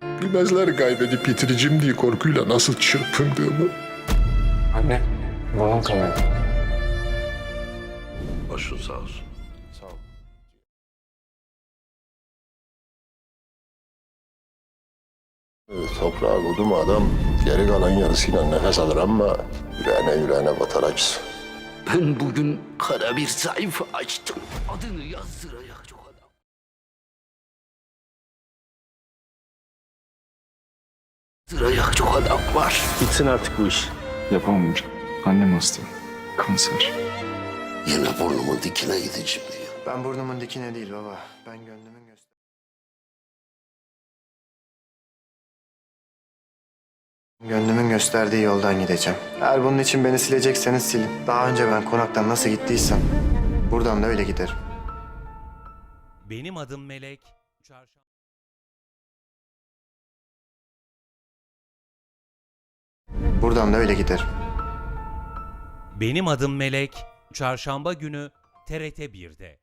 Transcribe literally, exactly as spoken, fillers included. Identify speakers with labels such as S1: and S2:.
S1: Bilmezler kaybedip yitireceğim diye korkuyla nasıl çırpındığımı.
S2: Anne, babam kanadı.
S3: Başın sağ olsun.
S2: Sağ ol.
S3: Toprağa koydu mu adam geri kalan yarısıyla nefes alır ama yüreğine yüreğine batar acısı.
S4: Ben bugün kara bir sayfa açtım. Adını yazdıracak çok adam. Yazdıracak çok adam var.
S3: Bitsin artık bu iş.
S2: Yapamam hocam. Annem hasta. Kanser.
S4: Yine burnumun dikine gideceğim diyor.
S5: Ben burnumun dikine değil baba. Ben gönlümün göster. Gönlümün gösterdiği yoldan gideceğim. Eğer bunun için beni silecekseniz silin. Daha önce ben konaktan nasıl gittiysem buradan da öyle giderim.
S6: Benim adım Melek. Çarşamba...
S5: Buradan da öyle giderim.
S6: Benim adım Melek. Çarşamba günü T R T bir'de.